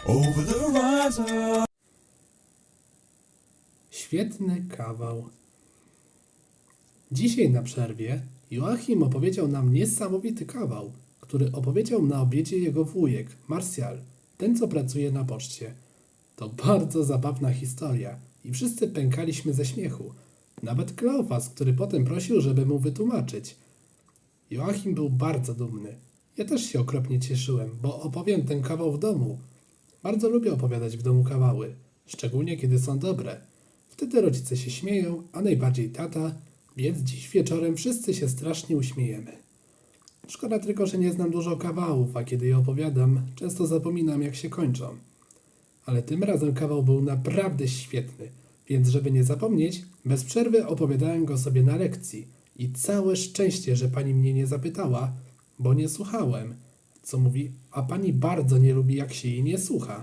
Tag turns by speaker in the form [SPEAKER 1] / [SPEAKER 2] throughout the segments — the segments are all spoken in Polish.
[SPEAKER 1] over the horizon.
[SPEAKER 2] Świetny kawał. Dzisiaj na przerwie Joachim opowiedział nam niesamowity kawał, który opowiedział na obiedzie jego wujek, Martial, ten co pracuje na poczcie. To bardzo zabawna historia i wszyscy pękaliśmy ze śmiechu. Nawet Kleofas, który potem prosił, żeby mu wytłumaczyć. Joachim był bardzo dumny. Ja też się okropnie cieszyłem, bo opowiem ten kawał w domu. Bardzo lubię opowiadać w domu kawały, szczególnie kiedy są dobre. Wtedy rodzice się śmieją, a najbardziej tata, więc dziś wieczorem wszyscy się strasznie uśmiejemy. Szkoda tylko, że nie znam dużo kawałów, a kiedy je opowiadam, często zapominam, jak się kończą. Ale tym razem kawał był naprawdę świetny, więc żeby nie zapomnieć, bez przerwy opowiadałem go sobie na lekcji i całe szczęście, że pani mnie nie zapytała, bo nie słuchałem, co mówi, a pani bardzo nie lubi, jak się jej nie słucha.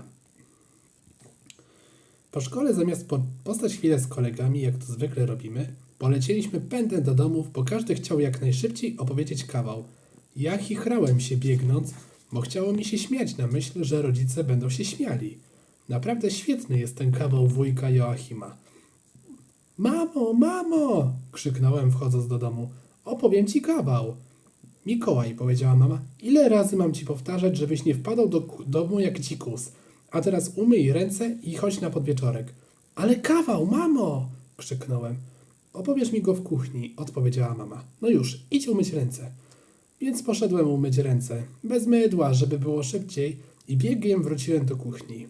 [SPEAKER 2] Po szkole zamiast postać chwilę z kolegami, jak to zwykle robimy, polecieliśmy pędem do domów, bo każdy chciał jak najszybciej opowiedzieć kawał. Ja chichrałem się biegnąc, bo chciało mi się śmiać na myśl, że rodzice będą się śmiali. Naprawdę świetny jest ten kawał wujka Joachima. Mamo, mamo! Krzyknąłem wchodząc do domu. Opowiem ci kawał. Mikołaj, powiedziała mama, ile razy mam ci powtarzać, żebyś nie wpadał do domu jak dzikus. A teraz umyj ręce i chodź na podwieczorek. Ale kawał, mamo! Krzyknąłem. Opowiesz mi go w kuchni, odpowiedziała mama. No już, idź umyć ręce. Więc poszedłem umyć ręce, bez mydła, żeby było szybciej i biegiem wróciłem do kuchni.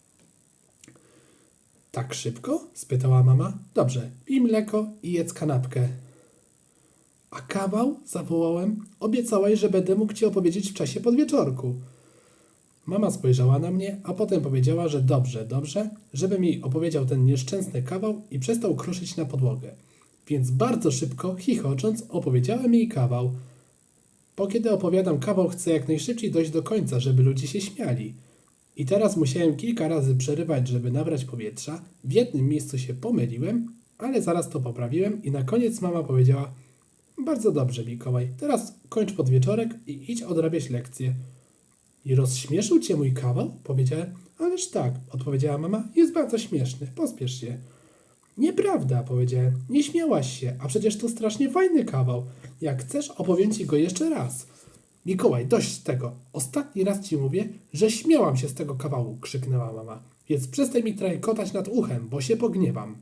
[SPEAKER 2] Tak szybko? Spytała mama. Dobrze, pij mleko i jedz kanapkę. A kawał? Zawołałem. Obiecałaś, że będę mógł ci opowiedzieć w czasie podwieczorku. Mama spojrzała na mnie, a potem powiedziała, że dobrze, żebym jej opowiedział ten nieszczęsny kawał i przestał kruszyć na podłogę. Więc bardzo szybko, chichocząc, opowiedziałem jej kawał. Bo kiedy opowiadam kawał, chcę jak najszybciej dojść do końca, żeby ludzie się śmiali. I teraz musiałem kilka razy przerywać, żeby nabrać powietrza. W jednym miejscu się pomyliłem, ale zaraz to poprawiłem i na koniec mama powiedziała: bardzo dobrze, Mikołaj, teraz kończ podwieczorek i idź odrabiać lekcje. I rozśmieszył cię mój kawał? Powiedziałem. Ależ tak, odpowiedziała mama, jest bardzo śmieszny, pospiesz się. Nieprawda, powiedziałem, nie śmiałaś się, a przecież to strasznie fajny kawał. Jak chcesz, opowiem ci go jeszcze raz. Mikołaj, dość tego. Ostatni raz ci mówię, że śmiałam się z tego kawału, krzyknęła mama. Więc przestań mi trajkotać nad uchem, bo się pogniewam.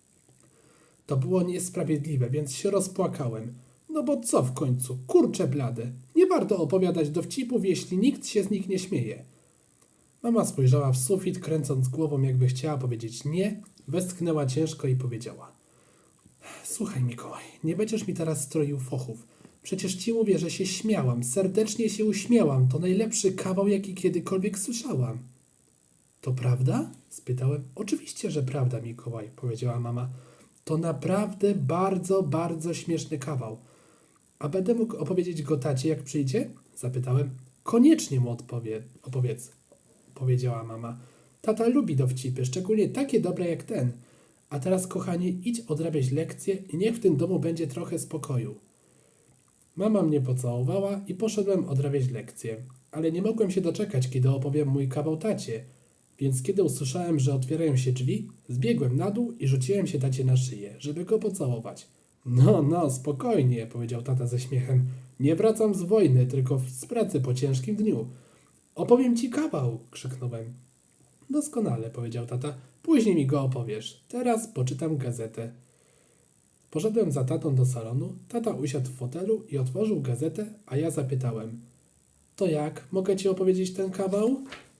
[SPEAKER 2] To było niesprawiedliwe, więc się rozpłakałem. No bo co w końcu? Kurcze blade. Nie warto opowiadać dowcipów, jeśli nikt się z nich nie śmieje. Mama spojrzała w sufit, kręcąc głową, jakby chciała powiedzieć nie, westchnęła ciężko i powiedziała: słuchaj, Mikołaj, nie będziesz mi teraz stroił fochów. Przecież ci mówię, że się śmiałam, serdecznie się uśmiałam. To najlepszy kawał, jaki kiedykolwiek słyszałam. To prawda? Spytałem. Oczywiście, że prawda, Mikołaj, powiedziała mama. To naprawdę bardzo, bardzo śmieszny kawał. A będę mógł opowiedzieć go tacie, jak przyjdzie? Zapytałem. Koniecznie mu opowiedz, powiedziała mama. Tata lubi dowcipy, szczególnie takie dobre jak ten. A teraz, kochanie, idź odrabiać lekcje i niech w tym domu będzie trochę spokoju. Mama mnie pocałowała i poszedłem odrabiać lekcje, ale nie mogłem się doczekać, kiedy opowiem mój kawał tacie, więc kiedy usłyszałem, że otwierają się drzwi, zbiegłem na dół i rzuciłem się tacie na szyję, żeby go pocałować. No, spokojnie, powiedział tata ze śmiechem. Nie wracam z wojny, tylko z pracy po ciężkim dniu. Opowiem ci kawał, krzyknąłem. Doskonale, powiedział tata. Później mi go opowiesz. Teraz poczytam gazetę. Poszedłem za tatą do salonu, tata usiadł w fotelu i otworzył gazetę, a ja zapytałem. To jak? Mogę ci opowiedzieć ten kawał?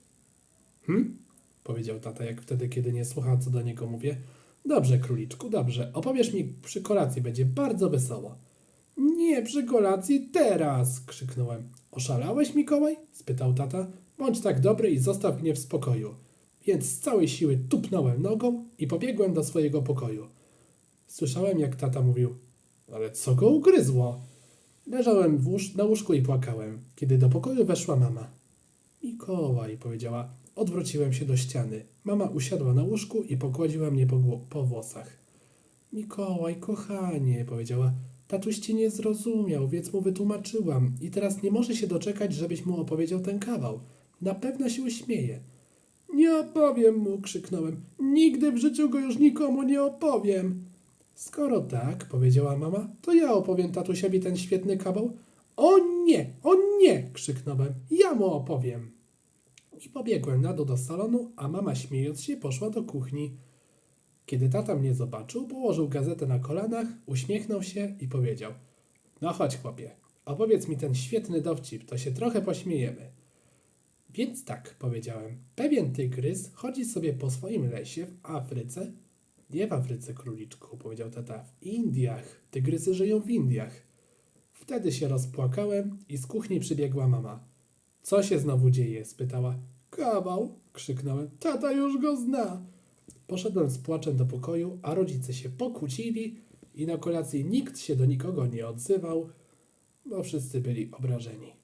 [SPEAKER 2] Powiedział tata, jak wtedy, kiedy nie słucha, co do niego mówię. Dobrze, króliczku, dobrze. Opowiesz mi przy kolacji, będzie bardzo wesoło. Nie, przy kolacji teraz, krzyknąłem. Oszalałeś, Mikołaj? Spytał tata. Bądź tak dobry i zostaw mnie w spokoju. Więc z całej siły tupnąłem nogą i pobiegłem do swojego pokoju. Słyszałem, jak tata mówił, ale co go ugryzło? Leżałem na łóżku i płakałem, kiedy do pokoju weszła mama. Mikołaj, powiedziała. Odwróciłem się do ściany. Mama usiadła na łóżku i pogładziła mnie po włosach. Mikołaj, kochanie, powiedziała. Tatuś cię nie zrozumiał, więc mu wytłumaczyłam i teraz nie może się doczekać, żebyś mu opowiedział ten kawał. Na pewno się uśmieje. Nie opowiem mu, krzyknąłem. Nigdy w życiu go już nikomu nie opowiem. Skoro tak, powiedziała mama, to ja opowiem tatusiowi ten świetny kawał. O nie, krzyknąłem. Ja mu opowiem. I pobiegłem na dół do salonu, a mama śmiejąc się poszła do kuchni. Kiedy tata mnie zobaczył, położył gazetę na kolanach, uśmiechnął się i powiedział: No chodź, chłopie, opowiedz mi ten świetny dowcip, to się trochę pośmiejemy. Więc tak, powiedziałem, pewien tygrys chodzi sobie po swoim lesie w Afryce. Nie w Afryce, króliczku, powiedział tata, w Indiach. Tygrysy żyją w Indiach. Wtedy się rozpłakałem i z kuchni przybiegła mama. Co się znowu dzieje? Spytała. Kawał, krzyknąłem. Tata już go zna. Poszedłem z płaczem do pokoju, a rodzice się pokłócili i na kolacji nikt się do nikogo nie odzywał, bo wszyscy byli obrażeni.